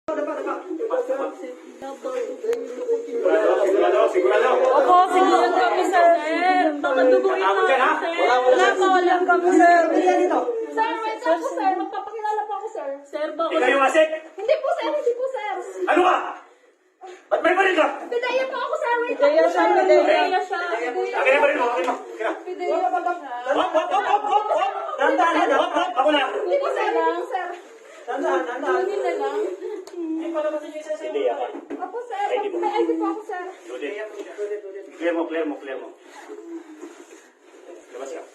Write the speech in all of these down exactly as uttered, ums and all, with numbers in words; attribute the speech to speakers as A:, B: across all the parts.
A: Opo, sigurado kami, sir. Baka duguin na kami, sir. Wala pa, wala kami, sir.
B: Sir, wait lang po, sir. Magpapakilala po ako, sir.
A: Sir, baka...
C: Ikaw yung asik?
B: Hindi po, sir. Hindi po, sir.
C: Ano ka? Ba't may baril ka?
B: Pidaya po ako, sir. Wait lang
A: Pidaya
B: po,
A: siya,
B: sir.
A: pidaya siya.
C: Akin na baril mo, akin mo. Akin na.
B: Pidaya po ako.
C: Hop, hop, hop, hop, hop, hop. Dahan-dahan, dahan, hop, hop. Ako na.
B: Hindi po, sir. Hindi po, sir.
C: Dahan-dahan, dahan-dahan.
B: Kunin na lang.
C: Hindi ako.
B: Opo, sir. May I D po ako, sir.
C: Clear mo, clear mo, clear mo. Labas ka.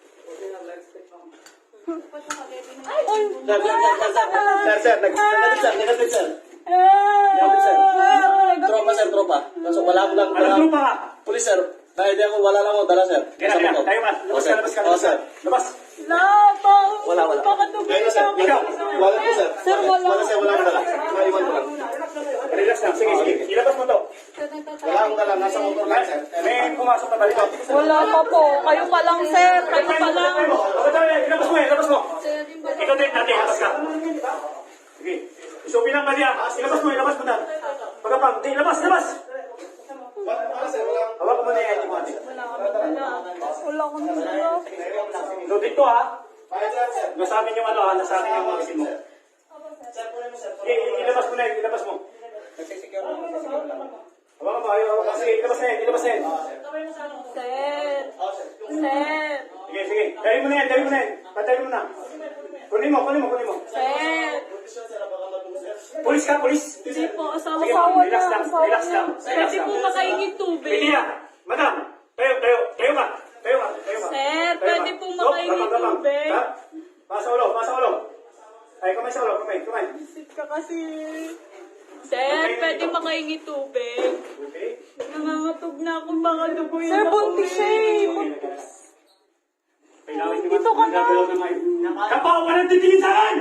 B: Ay!
D: Sir, sir, sir, sir, sir, sir, nag- negative, sir, negative, sir.
A: Ah!
D: Negative, sir. Tropa, sir, tropa. Kaso wala ko lang,
C: Ano
D: wala,
C: trupa ka?
D: police, sir. Dahil di ako, wala lang ako dala, sir.
C: Kaya na,
D: Kasama
C: kaya.
D: ko.
C: Tayo ka.
D: Oo,
C: Labas ka,
D: sir.
C: labas ka,
D: Oo,
C: labas ka.
D: sir.
C: Labas.
A: Wala pa.
D: Wala, wala.
A: Baka duguin
D: Ngayon, sir,
A: na
C: Ikaw.
D: wala po, sir.
A: Sir, wala.
D: Wala, sir, wala akong dala. Maiwan ko lang.
C: Relax lang. Sige, sige. Ilabas mo to.
D: Wala akong dala, nasa motor lang, sir.
C: May pumasok na balik.
A: Wala pa po. Kayo pa lang, sir. Kayo pa lang.
C: Ilabas mo, ilabas mo. Ikaw din, natin, ilabas ka. Sige. Isupin ang baliya. Ilabas mo, ilabas mo na. Pagkapang, di, ilabas, ilabas.
D: Wala, sir, wala.
C: Hawak mo na yung I D mo, ate.
A: Wala akong dala.
C: So, dito ha.
D: Kaya, sir, sir.
C: Nasa amin yung ano ha, nasa amin yung magasin mo.
D: Sir, kunin mo, sir.
C: Sige, ilabas mo na yun, ilabas mo.
D: Nagsisecure lang, nagsisecure lang.
C: Hawakan mo, ayaw, hawakan. Sige, ilabas na yun, ilabas na yun.
A: Sir.
D: Oo, sir.
A: Sir.
C: Sige, sige. Dali mo na yan, dali mo na yan. Patay mo na. Kunin mo, kunin mo, kunin mo.
A: Sir.
D: Kondisyon, sir, baka madung, sir.
C: Pulis ka, pulis.
A: Hindi po. Asawa
C: Sige,
A: asawa
C: relax
A: niya.
C: lang,
A: Asawa
C: relax
A: niya.
C: lang, relax
A: Pwede
C: lang.
A: po makaingin tubig.
C: Pwede yan. Madam, tayo, tayo, tayo ka. Tayo ka, tayo ka.
A: Sir,
C: Tayo
A: pwede
C: ka.
A: pong
C: Stop,
A: makaingin
C: gabang, gabang.
A: tubig.
C: Ha? Pasa ulo, pasa ulo. Ay, kamay sa ulo, kamay, kamay.
A: Sit ka kasi. Sir, pwede makaingin tubig.
C: Okay.
A: Nangangatog na ako. Baka duguin
E: Sir,
A: ako
E: buntis siya eh.
C: Kailangan nyo
A: Dito ka na.
C: magagalaw na may... Kapaw, walang titingin sa akin!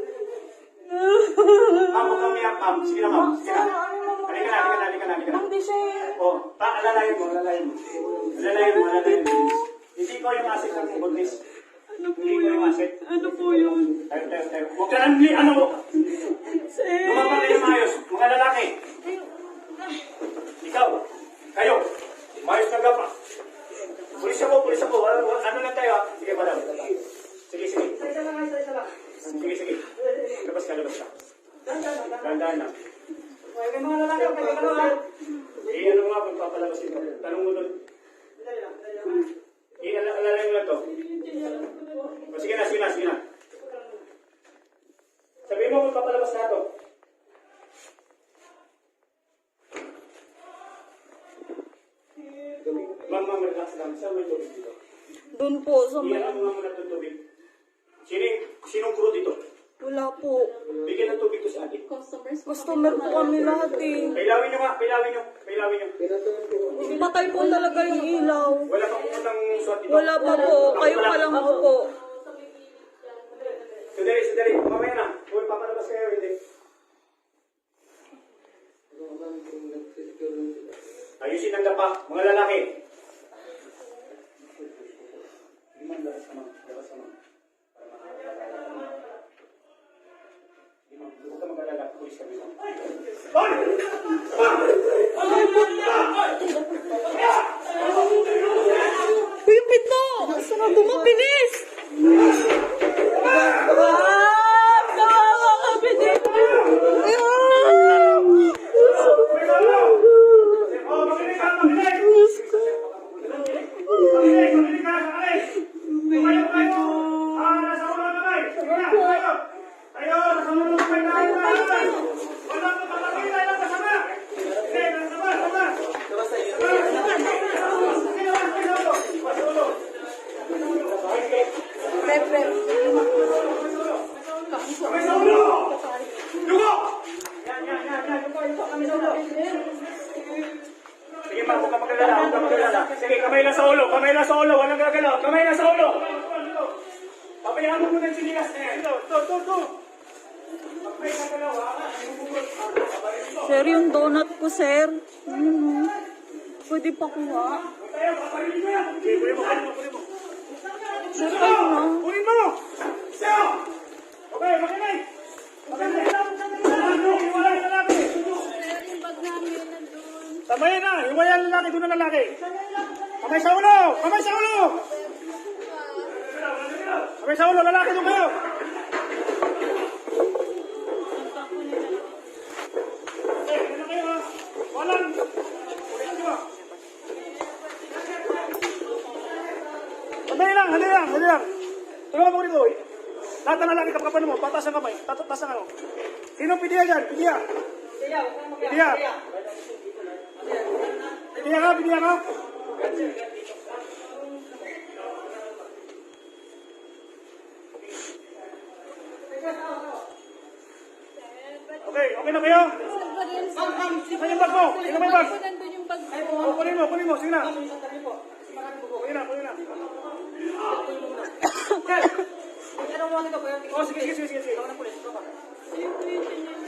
C: Ma'am, huwag kami yan, ma'am. Sige na, ma'am. Sige na. Halika na, halika na, halika na, halika na.
E: Buntis siya eh.
C: Oh, pa, alalayan mo, alalayan mo. Alalayan mo, alalayan mo. Hindi ko yung asset ng buntis.
A: Ano po
C: Hindi ko yung
A: yun?
C: asset.
A: Ano po yun?
C: Tayo, tayo, tayo. Huwag ka lang, ano,
A: Sir.
C: lumabang kayo maayos. Mga lalaki. Ikaw, kayo, maayos na gapa. Pulis ako, pulis ako. Ano, ano lang tayo, ha? Sige, madam. Sige, sige. Sige, sige. Labas ka, labas ka. Dahan-dahan lang. Eh, ano nga, magpapalabasin mo. Tanong mo doon. Eh, ala- alalay mo lang to. O, sige na, sige na, sige na. Sabihin mo kung papalabas na to. Ma'am, ma'am, relax lang. Saan may tubig dito?
A: Doon po sa may...
C: Iyan mo nga muna itong tubig. Sino, sinong crew dito?
A: Wala po.
C: Bigyan ng tubig to sa atin.
A: Customer po kami lahat eh.
C: Pailawin nyo nga, pailawin nyo. Pailawin nyo.
A: Patay po talaga yung ilaw.
C: Wala pa pupuntang swat dito.
A: Wala pa po. Kayo pa lang ako po.
C: Sandali, sandali. Mamaya na. Kung papalabas kayo, hindi. Ayusin ang dapa. Mga lalaki. Liman, labas ka, ma'am. Labas ka, ma'am. Liman, huwag ka mag-alala. Pulis kami, ma'am. Hoy!
A: Uy, yung pinto! Saan na bumabilis? Ah! Kawawa kami dito! Ah!
C: Oh, makinig ka, makinig! Makinig, makinig ka, makinig! Tumayo kayo! Ah, nasa ulo naman! Sige na, tayo! Tayo, nasa ulo naman tayo! Wala ko papakita lang kasama! Hindi, kasama, kasama! Kami sa ulo! Lugo! Yan, yan, yan, yan. Kami sa ulo. Sige pa, huwag ka magalala, huwag ka magalala. Sige, kamay lang sa ulo, kamay lang sa ulo, walang gagalaw, kamay lang sa ulo. Pabayaan mo muna yung sinilas na yan. Ito, ito, ito, ito. Pag may gagalaw, ha?
A: Sir, yung donut ko, sir. Ano? Pwede pa kuha.
C: Tayo, paparilin mo yan. Sige, kunin mo, kunin mo, kunin mo.
A: Sir, kayo na.
C: Kunin mo! Siya! Okay, makinig! Makinig! Ano? Wala Sabayin na, hiwayan ang lalaki, doon ang lalaki. Kamay sa ulo! Kamay sa ulo! Kamay sa ulo, lalaki doon kayo! Okay, ano kayo ha? Walang! Ulitin nyo ha? Sandali lang, sandali lang, sandali lang. Tulungan mo rito. Lahat ng lalaki kapkapan mo, patas ang kamay, tatas ang ano. Sinong pidiya dyan? Pidiya! Pidiya! Pidiya ka, pidiya ka? Okay, okay na kayo? Saan yung bag mo? Sino may bag? Oh, kunin mo, kunin mo, sige na. Kunin na, kunin na. Oh, sige, sige, sige, sige.